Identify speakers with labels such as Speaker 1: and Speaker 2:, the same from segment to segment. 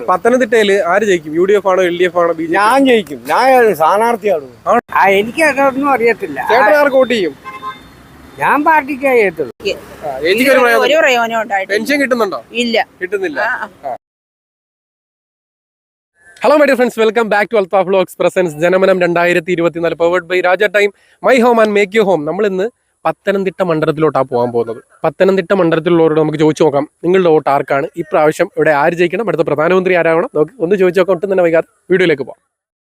Speaker 1: പത്തനംതിട്ടയില് ആര് ജയിക്കും? UDF ആണോ LDF ആണോ BJP?
Speaker 2: ഞാൻ ജയിക്കും. ഞാൻ സ്ഥാനാർത്ഥിയാണ്.
Speaker 3: എനിക്ക് അതൊന്നും അറിയത്തില്ല.
Speaker 1: ചേട്ടൻ ആർക്ക് വോട്ട് ചെയ്യും?
Speaker 3: ഞാൻ പാർട്ടിക്ക് ചെയ്യത്തുള്ളൂ.
Speaker 4: ഒരു പ്രയോജനം ഉണ്ടായിട്ടില്ല.
Speaker 1: പെൻഷൻ കിട്ടുന്നുണ്ടോ?
Speaker 4: ഇല്ല,
Speaker 1: കിട്ടുന്നില്ല. Hello my dear friends, welcome back to Althaf vlogs presents Janamanam 2024 powered by Raja time, my home and make you home. നമ്മൾ ഇന്ന് പത്തനംതിട്ട മണ്ഡലത്തിലോട്ടാണ് പോകാൻ പോകുന്നത്. പത്തനംതിട്ട മണ്ഡലത്തിലുള്ളവരോട് നമുക്ക് ചോദിച്ചു നോക്കാം, നിങ്ങളുടെ വോട്ട് ആർക്കാണ്? ഇപ്രാവശ്യം ഇവിടെ ആര് ജയിക്കണം? അടുത്ത പ്രധാനമന്ത്രി ആരാകണം? നമുക്ക് ഒന്ന് ചോദിച്ചു നോക്കാം. ഒട്ടും തന്നെ വൈകാതെ വീഡിയോയിലേക്ക് പോകാം.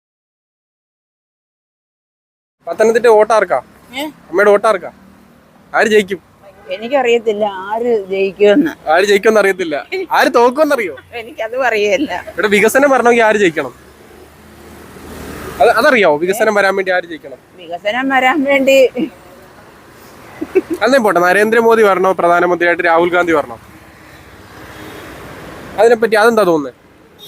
Speaker 1: പത്തനംതിട്ട വോട്ടാർക്കാ? അമ്മയുടെ വോട്ടാർക്കാ? ആര് ജയിക്കും?
Speaker 4: എനിക്കറിയത്തില്ല ആര് ജയിക്കുമെന്ന്.
Speaker 1: ആര് ജയിക്കുമെന്ന് അറിയത്തില്ല. ആര് തോക്കുമെന്നറിയോ?
Speaker 4: എനിക്കത് അറിയില്ല.
Speaker 1: ഇവിടെ വികസനം വരണമെങ്കിൽ ആര് ജയിക്കണം? അതറിയാവോ? വികസനം വരാൻ വേണ്ടി ആര് ജയിക്കണം?
Speaker 4: വികസനം വരാൻ വേണ്ടി
Speaker 1: അതേ പോട്ടെ, നരേന്ദ്രമോദി വരണോ പ്രധാനമന്ത്രിയായിട്ട്? രാഹുൽ ഗാന്ധി വരണോ? അതിനെപ്പറ്റി അതെന്താ തോന്നുന്നത്?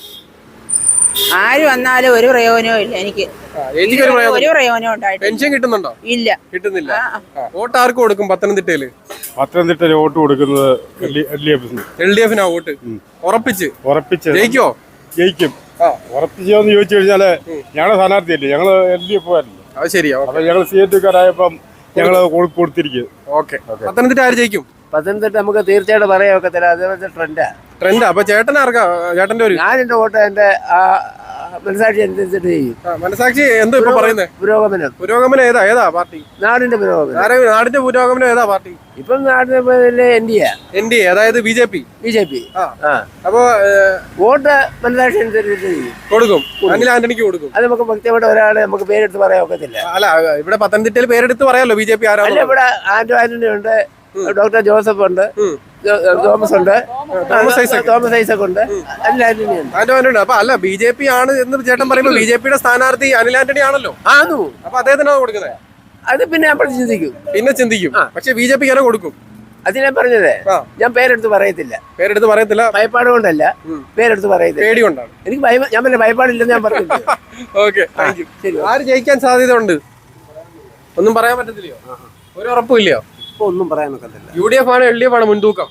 Speaker 4: ആര് വന്നാലും ഒരു പ്രയോജനവും ഇല്ല. എനിക്ക് ഒരു പ്രയോജനം ഉണ്ടായിട്ട്.
Speaker 1: പെൻഷൻ കിട്ടുന്നുണ്ടോ?
Speaker 4: ഇല്ല,
Speaker 1: കിട്ടുന്നില്ല. വോട്ട് ആർക്ക് കൊടുക്കും പത്തനംതിട്ടയില്?
Speaker 2: പത്തനംതിട്ടയിൽ വോട്ട് കൊടുക്കുന്നത്
Speaker 1: LDF വോട്ട് ഉറപ്പിച്ച് ജയിക്കോ?
Speaker 2: ജയിക്കും. ഉറപ്പിച്ചോന്ന് ചോദിച്ചു കഴിഞ്ഞാല് ഞങ്ങളെ സ്ഥാനാർത്ഥിയല്ലേ, ഞങ്ങള് LDF ആയിരുന്നു.
Speaker 1: അത് ശരിയാ.
Speaker 2: അപ്പൊ ഞങ്ങൾ CATക്കാരായപ്പം ഞങ്ങള് കൊടുത്തിരിക്കും.
Speaker 1: ഓക്കെ, പത്തനംതിട്ട ആര് ജയിക്കും?
Speaker 3: പത്തനംതിട്ട നമുക്ക് തീർച്ചയായിട്ടും പറയാൻ ഒക്കത്തില്ല. അതേപോലത്തെ
Speaker 1: ട്രെൻഡാ. അപ്പൊ ചേട്ടൻ ആർക്കാ? ചേട്ടന്റെ ഒരു
Speaker 3: ഞാൻ എന്റെ വോട്ട് എന്റെ മനസാക്ഷി അനുസരിച്ചിട്ട് ചെയ്യും.
Speaker 1: മനസാക്ഷി എന്താ ഇപ്പൊ പറയുന്നത്? പുരോഗമനം ഏതാ പാർട്ടി?
Speaker 3: നാടിന്റെ പുരോഗമനം.
Speaker 1: നാടിന്റെ പുരോഗമനം ഏതാ പാർട്ടി?
Speaker 3: ഇപ്പം നാടിന്റെ NDA,
Speaker 1: അതായത് BJP. അപ്പൊ
Speaker 3: വോട്ട് മനസാക്ഷി അനുസരിച്ചിട്ട് ചെയ്യും.
Speaker 1: കൊടുക്കും. അനിൽ ആന്റണിക്ക് കൊടുക്കും.
Speaker 3: അത് നമുക്ക് വ്യക്തിയുടെ ഒരാളെ നമുക്ക് പേരെടുത്ത് പറയാൻ ഒക്കത്തില്ല.
Speaker 1: അല്ല, ഇവിടെ പത്തനംതിട്ടയിൽ പേരെടുത്ത് പറയാലോ BJP ആരാ?
Speaker 3: ഇവിടെ ആന്റണി ഉണ്ട്, ഡോക്ടർ ജോസഫ് ഉണ്ട്, തോമസ് ഉണ്ട്, തോമസ് ഐസക് ഉണ്ട്,
Speaker 1: ആന്റണി. അപ്പൊ അല്ല, BJP ആണ് എന്ന് ചേട്ടൻ പറയുമ്പോ BJPയുടെ സ്ഥാനാർത്ഥി അനിൽ ആന്റണി ആണല്ലോ. അപ്പൊ അദ്ദേഹത്തിനാണ് കൊടുക്കുന്നത്.
Speaker 3: അത് പിന്നെ നമ്മൾ
Speaker 1: ചിന്തിക്കും. പക്ഷെ BJP ആരോ കൊടുക്കും.
Speaker 3: അത് ഞാൻ പറഞ്ഞതേ, ഞാൻ പേരെടുത്ത് പറയത്തില്ല. ഭയപ്പാട് കൊണ്ടല്ല, പേരെടുത്ത് പറയത്തില്ല, പേടി കൊണ്ടാണ്. എനിക്ക് ഞാൻ പിന്നെ ഭയപ്പാടില്ലെന്ന് ഞാൻ പറഞ്ഞു.
Speaker 1: ഓക്കെ, ആര് ജയിക്കാൻ സാധ്യത ഉണ്ട്? ഒന്നും പറയാൻ പറ്റത്തില്ലയോ? ഒരു ഉറപ്പില്ലയോ?
Speaker 3: ഒന്നും പറയാൻ ഒക്കത്തില്ല.
Speaker 1: UDF ആണോ LDF ആണോ മുൻതൂക്കം?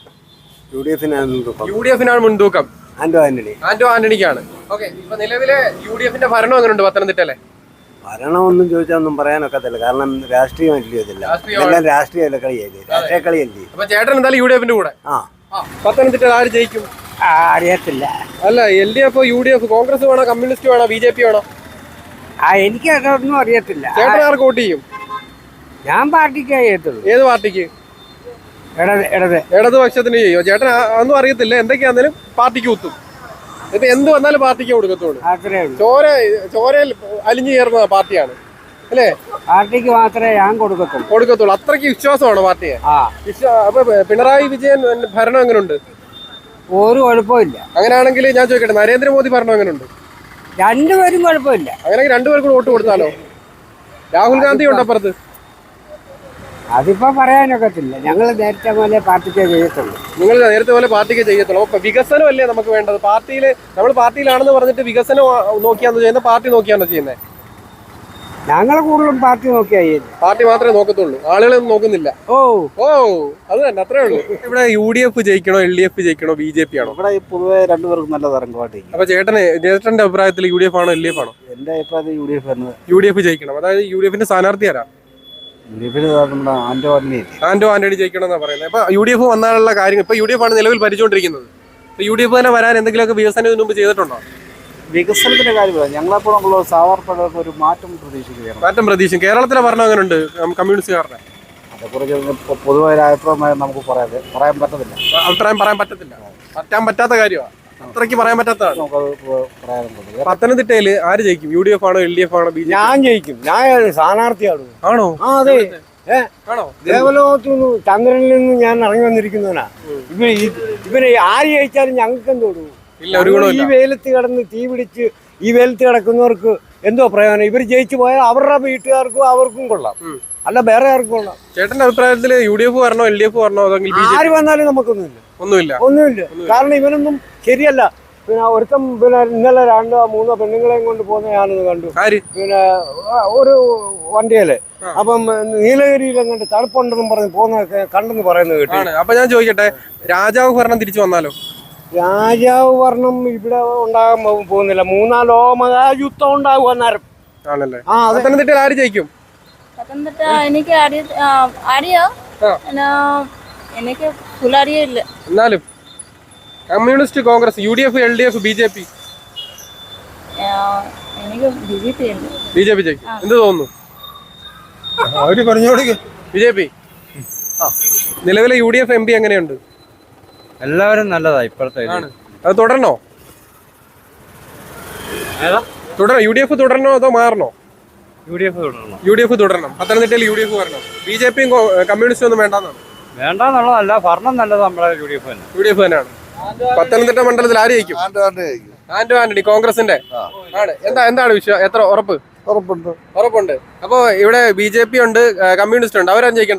Speaker 1: UDF മുൻതൂക്കം. ആന്റോ ആന്റണിക്കാണ്. ഓക്കെ, ഇപ്പൊ നിലവിലെ UDFന്റെ ഭരണം എങ്ങനെയുണ്ട് പത്തനംതിട്ടയിലെ?
Speaker 3: ഭരണമൊന്നും ചോദിച്ചാൽ ഒന്നും പറയാനൊക്കത്തില്ല. കാരണം രാഷ്ട്രീയമല്ലേ, എല്ലാം രാഷ്ട്രീയ കളിയല്ലേ.
Speaker 1: അപ്പൊ ചേട്ടൻ എന്തായാലും UDFന്റെ കൂടെ. പത്തനംതിട്ട ആര് ജയിക്കും?
Speaker 3: അറിയത്തില്ല.
Speaker 1: അല്ല, LDF UDF കോൺഗ്രസ് വേണോ, കമ്മ്യൂണിസ്റ്റ് വേണോ, BJP വേണോ?
Speaker 3: എനിക്ക് അതൊന്നും അറിയത്തില്ല.
Speaker 1: ചേട്ടൻ ആർക്ക് വോട്ട് ചെയ്യും?
Speaker 3: ഞാൻ പാർട്ടിക്ക് ചെയ്യത്തുള്ളൂ.
Speaker 1: ഏത് പാർട്ടിക്ക്? ഇടതുപക്ഷത്തിന് ചെയ്യോ? ചേട്ടൻ ഒന്നും അറിയത്തില്ല. എന്തൊക്കെയാണെങ്കിലും പാർട്ടിക്ക് കുത്തും. ഇപ്പൊ എന്ത് വന്നാലും പാർട്ടിക്ക് കൊടുക്കത്തുള്ളൂ. ചോരയിൽ അലിഞ്ഞു ചേർന്ന പാർട്ടിയാണ് അല്ലേ?
Speaker 3: പാർട്ടിക്ക് മാത്രമേ ഞാൻ കൊടുക്കത്തുള്ളൂ.
Speaker 1: അത്രയ്ക്ക് വിശ്വാസമാണ് പാർട്ടിയെ. അപ്പൊ പിണറായി വിജയൻ ഭരണം എങ്ങനെയുണ്ട്?
Speaker 3: ഒരു കുഴപ്പമില്ല.
Speaker 1: അങ്ങനെയാണെങ്കിൽ ഞാൻ ചോദിക്കട്ടെ, നരേന്ദ്രമോദി ഭരണം എങ്ങനെയുണ്ട്?
Speaker 3: രണ്ടുപേരും കുഴപ്പമില്ല.
Speaker 1: അങ്ങനെയെങ്കിൽ രണ്ടുപേർക്കും വോട്ട് കൊടുത്താലോ? രാഹുൽ ഗാന്ധി ഉണ്ട് അപ്പുറത്ത്.
Speaker 3: അതിപ്പോ പറയാനൊക്കത്തില്ല. ഞങ്ങൾ നേരത്തെ പോലെ പാർട്ടിക്കേ ചെയ്യത്തുള്ളൂ.
Speaker 1: നിങ്ങൾ നേരത്തെ പോലെ പാർട്ടിക്ക് ചെയ്യത്തുള്ളൂ. അപ്പൊ വികസനമല്ലേ നമുക്ക് വേണ്ടത്? നമ്മൾ പാർട്ടിയിലാണെന്ന് പറഞ്ഞിട്ട് വികസനം നോക്കിയാണോ ചെയ്യുന്നത്, പാർട്ടി നോക്കിയാണോ ചെയ്യുന്നത്?
Speaker 3: ഞങ്ങൾ കൂടുതലും പാർട്ടി നോക്കിയാ ചെയ്യുന്നത്.
Speaker 1: പാർട്ടി മാത്രമേ നോക്കത്തുള്ളൂ, ആളുകളൊന്നും നോക്കുന്നില്ല. അത് തന്നെ, അത്രേ ഉള്ളൂ. ഇവിടെ UDF ജയിക്കണോ, LDF ജയിക്കണോ, BJP ആണോ?
Speaker 3: ഇവിടെ പൊതുവെ രണ്ടുപേർക്കും നല്ല തരംഗമായിട്ട്.
Speaker 1: അപ്പൊ ചേട്ടന്റെ അഭിപ്രായത്തിൽ UDF ആണോ LDF ആണോ?
Speaker 3: എന്റെ അഭിപ്രായത്തിൽ
Speaker 1: UDF ജയിക്കണം. അതായത് UDFന്റെ സ്ഥാനാർത്ഥി ആരാ? ആന്റോ ആന്റണി ജയിക്കണം എന്നാ പറയുന്നത്. അപ്പൊ UDF വന്നാലുള്ള കാര്യങ്ങൾ ഇപ്പൊ UDF ആണ് നിലവിൽ ഭരിച്ചുകൊണ്ടിരിക്കുന്നത്. UDF തന്നെ വരാൻ എന്തെങ്കിലുമൊക്കെ വികസനം ഇതിനു മുമ്പ് ചെയ്തിട്ടുണ്ടോ?
Speaker 3: വികസനത്തിന്റെ കാര്യമില്ല. ഞങ്ങളെപ്പോഴുള്ള സാധാരണ ഒരു മാറ്റം പ്രതീക്ഷിക്കും.
Speaker 1: കേരളത്തിലെ ഭരണം എങ്ങനെയുണ്ട് കമ്മ്യൂണിസ്റ്റുകാരുടെ?
Speaker 3: അതേക്കുറിച്ച് പൊതുവായ അഭിപ്രായം നമുക്ക് പറയാൻ പറ്റത്തില്ല.
Speaker 1: പറ്റാൻ പറ്റാത്ത കാര്യമാണ്. അത്രയ്ക്ക് പറയാൻ പറ്റാത്തതാണ്. പത്തനംതിട്ടയില് ആര് ജയിക്കും? UDF ആണോ LDF ആണോ BJP?
Speaker 2: ഞാൻ ജയിക്കും. ഞാൻ സ്ഥാനാർത്ഥിയാണ്.
Speaker 1: ആണോ?
Speaker 2: അതെ. ദേവലോകത്തുനിന്ന് ചന്ദ്രനിൽ നിന്ന് ഞാൻ ഇറങ്ങി വന്നിരിക്കുന്നവനാ. ഇവര് ആര് ജയിച്ചാലും ഞങ്ങൾക്ക് എന്തോടും. ഈ വെയിലത്ത് കിടന്ന് തീ പിടിച്ച് ഈ വെയിലത്ത് കിടക്കുന്നവർക്ക് എന്തോ പ്രയോജനം? ഇവർ ജയിച്ചു പോയാൽ അവരുടെ വീട്ടുകാർക്കും അവർക്കും കൊള്ളാം, അല്ല വേറെ ആർക്കും കൊള്ളാം.
Speaker 1: ചേട്ടന്റെ അഭിപ്രായത്തിൽ UDF വരണോ LDF വരണോ?
Speaker 2: ആര് വന്നാലും നമുക്കൊന്നുമില്ല. കാരണം ഇവനൊന്നും ശരിയല്ല. പിന്നെ ഒരുത്തം ഇന്നലെ 2-3 പെണ്ണുങ്ങളെയും കൊണ്ട് പോകുന്ന ഞാനത് കണ്ടു. പിന്നെ ഒരു വണ്ടിയില് അപ്പം നീലഗിരിയിൽ അങ്ങോട്ട് തണുപ്പുണ്ടെന്നും പറഞ്ഞ് പോകുന്ന കണ്ടെന്ന് പറയുന്നത് കേട്ടു.
Speaker 1: അപ്പൊ ഞാൻ ചോദിക്കട്ടെ, രാജാവ് ഭരണം തിരിച്ചു വന്നാലോ?
Speaker 2: രാജാവ് ഭരണം ഇവിടെ ഉണ്ടാകാൻ പോകുന്നില്ല. 3-4 ലോകമഹായുദ്ധം ഉണ്ടാകും അന്നേരം.
Speaker 1: ആണല്ലേ?
Speaker 2: ആ അതെ.
Speaker 1: പത്തനംതിട്ടയിൽ ആര് ജയിക്കും?
Speaker 5: പത്തനംതിട്ട എനിക്ക് അറിയാം. എനിക്ക് ഫുൾ അറിയില്ല.
Speaker 1: എന്നാലും communist, Congress, UDF, LDF, BJP?
Speaker 5: എനിക്ക് BJP ഉണ്ട്.
Speaker 1: BJP ജയിക്കും. എന്ത് തോന്നുന്നു?
Speaker 2: അവര് പറഞ്ഞോളൂ.
Speaker 1: BJP. നിലവിലെ UDF MP എങ്ങനെയുണ്ട്?
Speaker 6: എല്ലാവരും നല്ലതാ ഇപ്പോഴത്തെ.
Speaker 1: അത് തുടരണോ? തുടരണം. UDF തുടരണോ അതോ മാറണോ? UDF തുടരണം. പത്തനംതിട്ടയിൽ UDF വരണം. BJPയും കമ്മ്യൂണിസ്റ്റും ഒന്നും വേണ്ടെന്നാണ്?
Speaker 6: വേണ്ടെന്നുള്ളതല്ല, ഭരണം നല്ലത് നമ്മളെ UDF
Speaker 1: തന്നെയാണ്. പത്തനംതിട്ട മണ്ഡലത്തിൽ ആര് ജയിക്കും? ആന്റോ ആന്റണി, കോൺഗ്രസിന്റെ ആണ്. എന്താണ് വിഷയം? എത്ര ഉറപ്പ്? ഉറപ്പുണ്ട്. അപ്പൊ ഇവിടെ BJP ഉണ്ട്, കമ്മ്യൂണിസ്റ്റ് ഉണ്ട്. അവരാരും ജയിക്കണ്ട?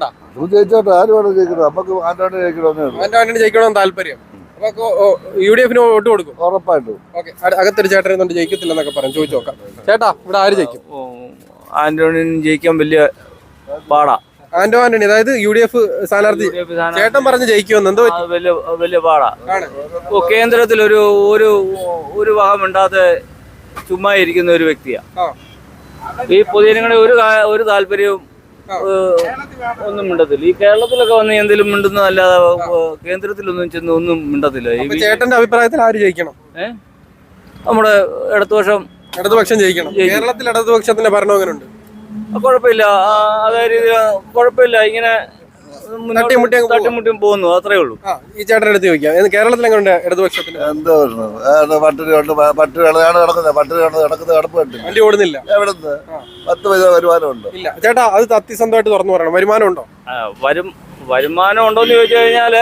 Speaker 1: ആന്റോ ആന്റണി ജയിക്കണമെന്ന് താല്പര്യം. അപ്പൊ UDF വോട്ട് കൊടുക്കും?
Speaker 3: ഉറപ്പായിട്ടും.
Speaker 1: ഓക്കെ. അകത്തൊരു ചേട്ടൻ എന്തുകൊണ്ട് ജയിക്കത്തില്ലെന്നൊക്കെ പറഞ്ഞു, ചോദിച്ചു നോക്കാം. ചേട്ടാ, ഇവിടെ ആര് ജയിക്കും?
Speaker 6: ആന്റണി ജയിക്കാൻ വലിയ പാടാ.
Speaker 1: ആന്റോ ആന്റണി, അതായത് UDF സ്ഥാനാർത്ഥി ചേട്ടൻ പറഞ്ഞ് ജയിക്കുമെന്ന്. എന്തോ
Speaker 6: വലിയ പാടാ. കേന്ദ്രത്തിൽ ഒരു ഭാഗം മിണ്ടാതെ ചുമ്മാ ഇരിക്കുന്ന ഒരു വ്യക്തിയാ. ഈ പൊതുജനങ്ങളുടെ ഒരു താല്പര്യവും ഒന്നും മിണ്ടത്തില്ല. ഈ കേരളത്തിലൊക്കെ വന്ന് എന്തെങ്കിലും മിണ്ടുന്നതല്ലാതെ കേന്ദ്രത്തിലൊന്നും ചെന്ന് ഒന്നും മിണ്ടത്തില്ല.
Speaker 1: ചേട്ടന്റെ അഭിപ്രായത്തിൽ ആര് ജയിക്കണം?
Speaker 6: നമ്മുടെ ഇടതുപക്ഷം
Speaker 1: ജയിക്കണം. കേരളത്തിൽ ഇടതുപക്ഷത്തിന്റെ ഭരണം എങ്ങനെയുണ്ട്?
Speaker 6: കുഴപ്പമില്ല. അതായത് കുഴപ്പമില്ല, ഇങ്ങനെ തട്ടിമുട്ടിയും പോകുന്നു, അത്രേ ഉള്ളൂ.
Speaker 1: ഈ ചേട്ടൻ എടുത്ത് ചോദിക്കാം, കേരളത്തിൽ എങ്ങനെയുണ്ട് ഇടതുപക്ഷത്തിന്? വണ്ടി ഓടുന്നില്ല.
Speaker 3: 10 പൈസ വരുമാനമുണ്ട്.
Speaker 1: ഇല്ല ചേട്ടാ, അത് സത്യസന്ധമായിട്ട് തുറന്നു പറയണം. വരുമാനം ഉണ്ടോ?
Speaker 6: വരുമാനം ഉണ്ടോന്ന് ചോദിച്ചു കഴിഞ്ഞാല്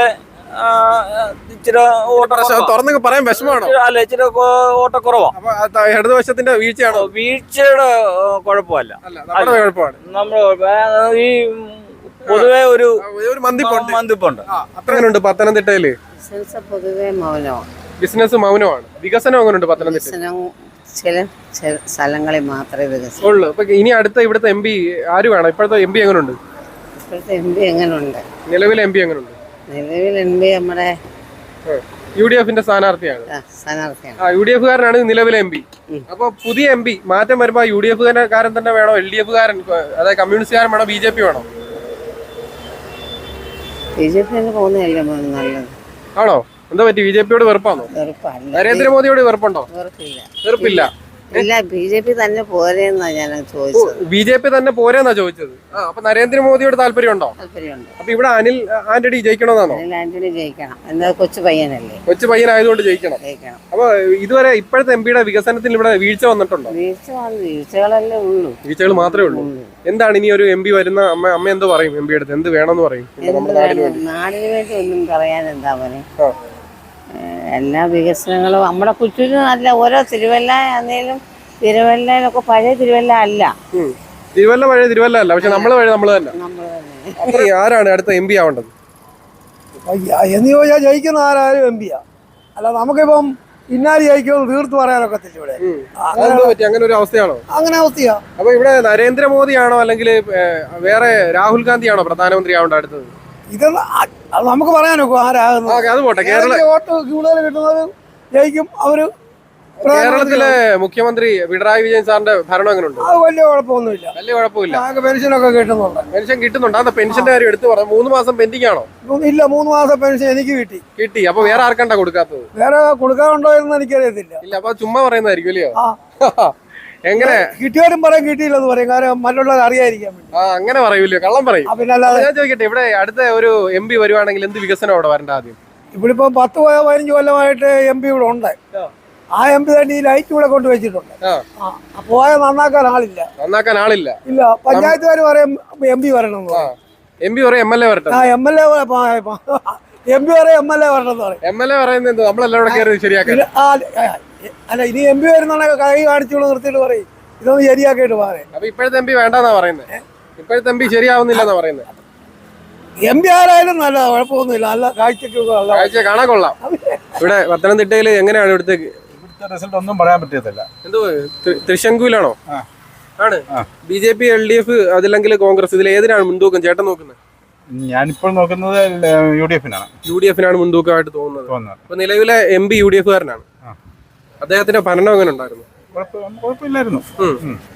Speaker 1: തുറന്നൊക്കെ പറയാൻ വിഷമാണോ?
Speaker 6: അല്ല, ഇച്ചിരി ഓട്ടക്കുറവാ.
Speaker 1: ഇടതുപക്ഷത്തിന്റെ വീഴ്ചയാണോ?
Speaker 6: വീഴ്ചയുടെ കുഴപ്പമല്ല,
Speaker 1: കുഴപ്പമാണ്.
Speaker 6: നമ്മൾ ഈ പൊതുവെ ഒരു മന്ദിപ്പുണ്ട്.
Speaker 1: അത്രയുണ്ട് പത്തനംതിട്ടയില്.
Speaker 7: പൊതുവെ മൗനമാണ്.
Speaker 1: ബിസിനസ് മൗനമാണ്. വികസനം എങ്ങനെയുണ്ട് പത്തനംതിട്ട?
Speaker 7: ചില സ്ഥലങ്ങളിൽ മാത്രമേ വികസനം
Speaker 1: ഉള്ളൂ. ഇപ്പൊ ഇനി അടുത്ത ഇവിടുത്തെ MP ആര് വേണം? ഇപ്പോഴത്തെ MP എങ്ങനെയുണ്ട്?
Speaker 7: ഇപ്പോഴത്തെ MP എങ്ങനെയുണ്ട്?
Speaker 1: നിലവിലെ MP എങ്ങനെയുണ്ട്?
Speaker 7: നിലവിൽ MP നമ്മുടെ
Speaker 1: UDFന്റെ സ്ഥാനാർത്ഥിയാണ്. UDF കാരനാണ് നിലവിലെ MP. അപ്പൊ പുതിയ MP മാറ്റം വരുമ്പോ UDF കാരൻ തന്നെ വേണോ? LDF കാരൻ, അതായത് കമ്മ്യൂണിസ്റ്റുകാരൻ വേണോ? BJP വേണോ?
Speaker 7: BJP പോകുന്നതല്ലേ നല്ലത്.
Speaker 1: ആണോ? എന്താ പറ്റി? BJPയോട് വെറുപ്പാണോ? നരേന്ദ്രമോദിയോട് വെറുപ്പുണ്ടോ? വെറുപ്പില്ല.
Speaker 7: ഇല്ല, BJP തന്നെ പോരെന്നാ ഞാൻ ചോദിച്ചത്.
Speaker 1: BJP തന്നെ പോരെന്നാ ചോദിച്ചത്. അപ്പൊ നരേന്ദ്രമോദിയോട് താല്പര്യമുണ്ടോ?
Speaker 7: താല്പര്യമുണ്ട്.
Speaker 1: അപ്പൊ ഇവിടെ അനിൽ ആന്റണി ജയിക്കണമെന്നാണോ?
Speaker 7: അനിൽ ആന്റണി ജയിക്കണം. എന്താ, കൊച്ചു പയ്യനല്ലേ?
Speaker 1: കൊച്ചു പയ്യനായതുകൊണ്ട് ജയിക്കണം. അപ്പൊ ഇതുവരെ ഇപ്പോഴത്തെ MPയുടെ വികസനത്തിൽ ഇവിടെ വീഴ്ച വന്നിട്ടുണ്ടോ?
Speaker 7: വീഴ്ചകളല്ലേ ഉള്ളൂ.
Speaker 1: വീഴ്ചകൾ മാത്രമേ ഉള്ളൂ. എന്താണ് ഇനി ഒരു MP വരുന്ന അമ്മ എന്തോ പറയും? MP അടുത്ത് എന്ത് വേണമെന്ന് പറയും?
Speaker 7: നാടിന് വേണ്ടി ഒന്നും പറയാൻ എന്താ പറയുക, എല്ലാ വികസനങ്ങളും നമ്മുടെ കുറ്റൂര് നല്ല. ഓരോ തിരുവല്ല ആണെങ്കിലും തിരുവല്ലയിലൊക്കെ പഴയ തിരുവല്ല അല്ല.
Speaker 1: തിരുവല്ല പഴയ തിരുവല്ല അല്ല, പക്ഷെ നമ്മള് തന്നെ. അപ്പൊ ആരാണ് അടുത്ത MP ആവേണ്ടത്
Speaker 2: എന്ന് ചോദിച്ചാൽ ജയിക്കുന്ന ആരായാലും MP-യാ. അല്ല, നമുക്കിപ്പം ഇന്നാല് ജയിക്കുമെന്ന് തീർത്ത് പറയാനൊക്കത്തില്ല ഇവിടെ.
Speaker 1: അങ്ങനെ ഒരു അവസ്ഥയാണോ?
Speaker 2: അങ്ങനെ അവസ്ഥയാ.
Speaker 1: അപ്പൊ ഇവിടെ നരേന്ദ്രമോദിയാണോ അല്ലെങ്കിൽ വേറെ രാഹുൽ ഗാന്ധിയാണോ പ്രധാനമന്ത്രി ആവേണ്ട അടുത്തത്?
Speaker 2: ഇതൊന്നും നമുക്ക് പറയാനൊക്കെ ആരാകുന്നു.
Speaker 1: അത് പോട്ടെ.
Speaker 2: വോട്ട് കൂടുതൽ കിട്ടുന്നത് ജയിക്കും. അവര്
Speaker 1: കേരളത്തിലെ മുഖ്യമന്ത്രി പിണറായി വിജയൻ സാറിന്റെ ഭരണം എങ്ങനെയുണ്ട്?
Speaker 2: അത് വലിയ കുഴപ്പമൊന്നുമില്ല.
Speaker 1: വലിയ കുഴപ്പമില്ല.
Speaker 2: പെൻഷനൊക്കെ കിട്ടുന്നുണ്ട്.
Speaker 1: പെൻഷൻ കിട്ടുന്നുണ്ട്. അതെ, പെൻഷന്റെ കാര്യം എടുത്തു പറഞ്ഞു. 3 മാസം പെൻഡിങ് ആണോ?
Speaker 2: ഇല്ല, 3 മാസം പെൻഷൻ എനിക്ക് കിട്ടി.
Speaker 1: അപ്പൊ വേറെ ആർക്കണ്ടാ കൊടുക്കാത്തത്?
Speaker 2: വേറെ കൊടുക്കാറുണ്ടോ എന്ന് എനിക്കറിയത്തില്ല.
Speaker 1: ഇല്ല, അപ്പൊ ചുമ്മാ പറയുന്നതായിരിക്കും അല്ലയോ? എങ്ങനെ
Speaker 2: കിട്ടിയാലും പറയും, കിട്ടിയില്ലെന്ന് പറയും. കാരണം മറ്റുള്ളവർ അറിയാതിരിക്കാൻ വേണ്ടി.
Speaker 1: അങ്ങനെ പറയൂല്ലോ, കള്ളം പറയും. ഞാൻ ചോദിക്കട്ടെ, ഇവിടെ അടുത്ത ഒരു MP വരുവാണെങ്കിൽ എന്ത് വികസനം അവിടെ വരണ്ട? ആദ്യം
Speaker 2: ഇവിടെ ഇപ്പൊ 10-15 കൊല്ലമായിട്ട് MP ഇവിടെ ഉണ്ട്. ആ MP തന്നെ ഈ ലൈറ്റ് ഇവിടെ കൊണ്ട് വെച്ചിട്ടുണ്ട്. പോയ നന്നാക്കാൻ ആളില്ല. ഇല്ല, പഞ്ചായത്തുകാർ പറയും MP വരണം.
Speaker 1: MP പറയും MLA വരട്ടെ.
Speaker 2: MLA MP പറയും MLA വരണമെന്ന് പറയും.
Speaker 1: MLA പറയുന്നത് നമ്മളെല്ലാം കയറി ശരിയാക്കാൻ.
Speaker 2: അല്ല, ഇനി MP വരുന്നുണ്ടെങ്കിൽ കൈ കാണിച്ചോളൂ, നിർത്തിയിട്ട് പറയും ഇതൊന്ന് ശരിയാക്കിയിട്ട് പറയും.
Speaker 1: അപ്പൊ ഇപ്പോഴത്തെ MP വേണ്ടെന്നാ പറയുന്നത്? ഇപ്പോഴത്തെ MP ശരിയാവുന്നില്ലെന്നാ പറയുന്നത്?
Speaker 2: MP ആരായാലും നല്ല കുഴപ്പമൊന്നുമില്ല. നല്ല കാഴ്ച
Speaker 1: കാണാൻ കൊള്ളാം. ഇവിടെ പത്തനംതിട്ടയില് എങ്ങനെയാണ് ഇവിടുത്തെ
Speaker 6: റിസൾട്ട്? ഒന്നും പറയാൻ പറ്റത്തില്ല.
Speaker 1: എന്തോ തൃശങ്കൂലാണോ? ആണ്. BJP, LDF, അതില്ലെങ്കിൽ കോൺഗ്രസ്, ഇതിൽ ഏതിനാണ് മുൻതൂക്കം ചേട്ടൻ നോക്കുന്നത്?
Speaker 8: ഞാനിപ്പോൾ നോക്കുന്നത് UDF-നാണ്.
Speaker 1: UDF-നാണ് മുൻതൂക്കമായിട്ട് തോന്നുന്നത്. അപ്പൊ നിലവിലെ MP UDF-കാരനാണ്. അദ്ദേഹത്തിന്റെ ഭരണം എങ്ങനെ ഉണ്ടായിരുന്നു?
Speaker 8: കുഴപ്പമില്ലായിരുന്നു.